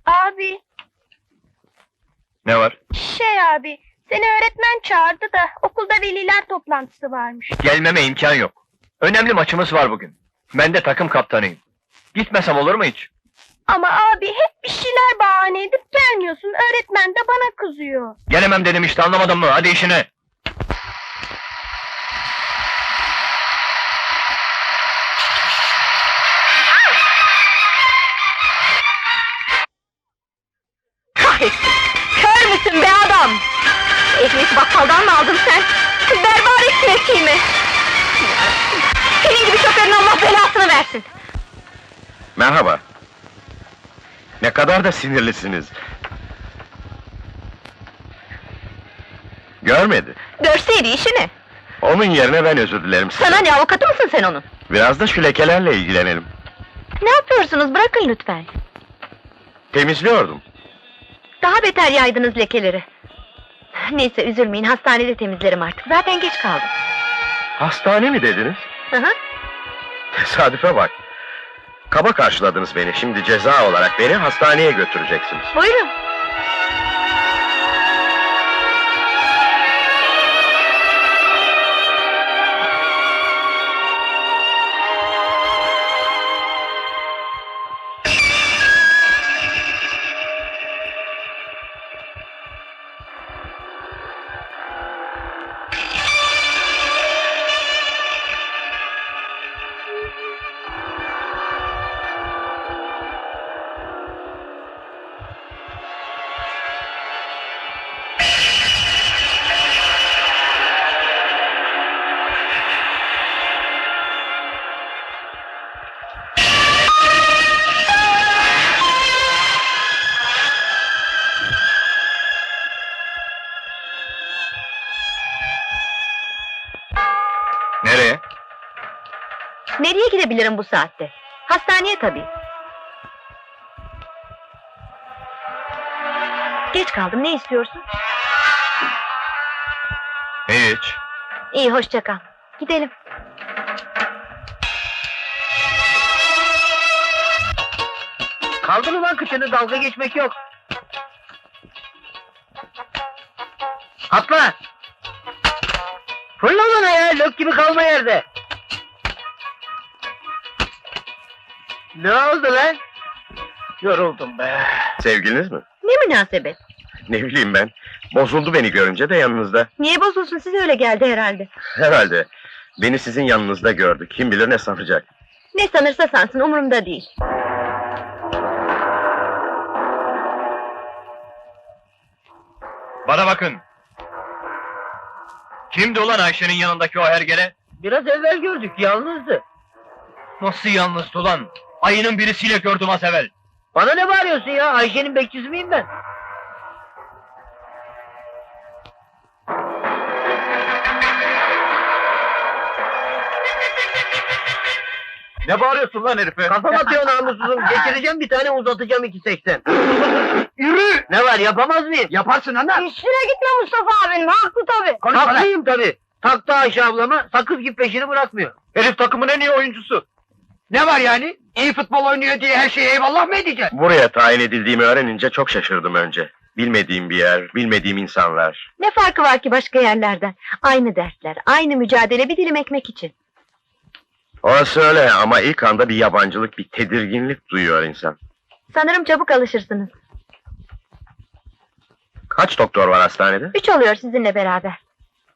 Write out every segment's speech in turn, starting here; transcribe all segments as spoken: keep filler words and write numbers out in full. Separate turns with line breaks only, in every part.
Abi,
Ne var?
şey abi, seni öğretmen çağırdı da okulda veliler toplantısı varmış.
Gelmeme imkan yok. Önemli maçımız var bugün. Ben de takım kaptanıyım. Gitmesem olur mu hiç?
Ama abi hep bir şeyler bahane edip gelmiyorsun, öğretmen de bana kızıyor.
Gelemem dedim işte, anlamadın mı? Hadi işine!
Kahretsin! Kör müsün be adam? Ekmek bakkaldan mı aldın sen? Berbat ekmeği mi? Senin gibi şoförün Allah belasını versin!
Merhaba. Ne kadar da sinirlisiniz. Görmedi.
Görseydi işini!
Onun yerine ben özür dilerim size.
Sana ne, avukatı mısın sen onun?
Biraz da şu lekelerle ilgilenelim.
Ne yapıyorsunuz, bırakın lütfen!
Temizliyordum.
Daha beter yaydınız lekeleri. Neyse üzülmeyin, hastanede temizlerim artık, zaten geç kaldım.
Hastane mi dediniz?
Hı hı.
Tesadüfe bak. Kaba karşıladınız beni, şimdi ceza olarak beni hastaneye götüreceksiniz.
Buyurun.
Nereye?
Nereye gidebilirim bu saatte? Hastaneye tabii. Geç kaldım, ne istiyorsun?
Hiç.
İyi, hoşça kal. Gidelim.
Kaldır ulan kıçını, dalga geçmek yok. Atla! Fırla bana ya, lök gibi kalma yerde. Ne oldu lan? Yoruldum be.
Sevgiliniz mi?
Ne münasebet?
Ne bileyim ben. Bozuldu beni görünce de yanınızda.
Niye bozulsun, size öyle geldi herhalde.
Herhalde. Beni sizin yanınızda gördü. Kim bilir ne sanacak.
Ne sanırsa sansın, umurumda değil.
Bana bakın. Kimdi ulan Ayşe'nin yanındaki o hergele?
Biraz evvel gördük, yalnızdı.
Nasıl yalnızdı ulan? Ayının birisiyle gördüm az evvel.
Bana ne bağırıyorsun ya, Ayşe'nin bekçisi miyim ben?
Ne bağırıyorsun lan herife?
Kafam atıyor namussuzum, geçireceğim bir tane, uzatacağım iki seksen. Yürü! Ne var, yapamaz mıyım?
Yaparsın ana!
Üstüne gitme Mustafa abim, haklı tabii.
Haklıyım tabii. Taktı Ayşe ablama, sakız gibi peşini bırakmıyor.
Herif takımın en iyi oyuncusu.
Ne var yani? İyi futbol oynuyor diye her şeye eyvallah mı edeceksin?
Buraya tayin edildiğimi öğrenince çok şaşırdım önce. Bilmediğim bir yer, bilmediğim insanlar.
Ne farkı var ki başka yerlerden? Aynı dersler, aynı mücadele, bir dilim ekmek için.
Orası öyle ama ilk anda bir yabancılık, bir tedirginlik duyuyor insan.
Sanırım çabuk alışırsınız.
Kaç doktor var hastanede?
Üç oluyor sizinle beraber.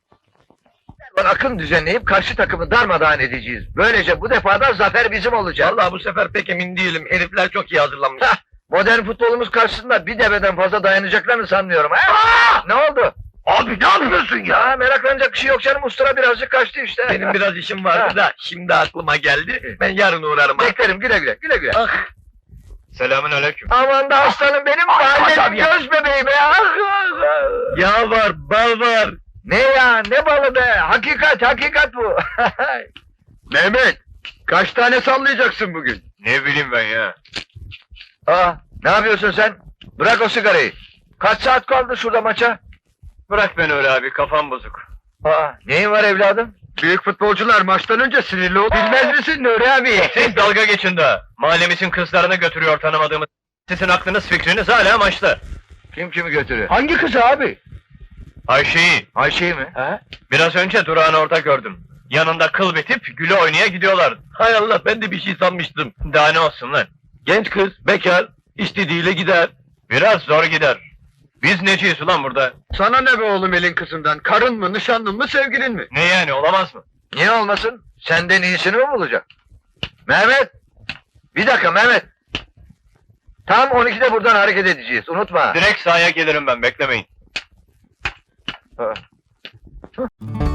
Akım düzenleyip karşı takımı darmadağın edeceğiz. Böylece bu defada zafer bizim olacak. Vallahi bu sefer pek emin değilim. Herifler çok iyi hazırlanmış. Hah, modern futbolumuz karşısında bir deveden fazla dayanacaklarını sanmıyorum. Ha? Ne oldu?
Abi ne yapıyorsun
Ya meraklanacak bir şey yok canım. Ustura birazcık kaçtı işte.
Benim biraz işim vardı da şimdi aklıma geldi. Ben yarın uğrarım.
Beklerim, güle güle, güle güle.
Ah. Selamün aleyküm.
Aman da aslanım benim, mahallenin göz bebeği be. Ah, ah, ah.
Yağ var, bal var.
Ne ya, ne balı be. Hakikat, hakikat bu.
Mehmet! Kaç tane sallayacaksın bugün?
Ne bileyim ben ya.
Aa, ne yapıyorsun sen? Bırak o sigarayı. Kaç saat kaldı şurada maça?
Bırak beni öyle abi, kafam bozuk.
Aa, neyin var evladım?
Büyük futbolcular maçtan önce sinirli olur. Bilmez misin Nuri abi?
Siz dalga geçin daha. Mahallemizin kızlarını götürüyor tanımadığımız. Sizin aklınız fikriniz hala maçta.
Kim kimi götürüyor?
Hangi kızı abi? Ayşe'yi.
Ayşe'yi mi?
He? Biraz önce durağını orada gördüm. Yanında kıl bitip güle oynaya gidiyorlar.
Hay Allah, ben de bir şey sanmıştım.
Daha ne olsun lan?
Genç kız, bekar, istediğiyle gider.
Biraz zor gider. Biz neciyiz ulan burada?
Sana ne be oğlum elin kızından? Karın mı, nişanlın mı, sevgilin mi?
Ne yani, olamaz mı?
Niye olmasın? Senden iyisini mi bulacak? Mehmet! Bir dakika Mehmet! Tam on ikide buradan hareket edeceğiz, unutma.
Direkt sahaya gelirim ben, beklemeyin.
Ha.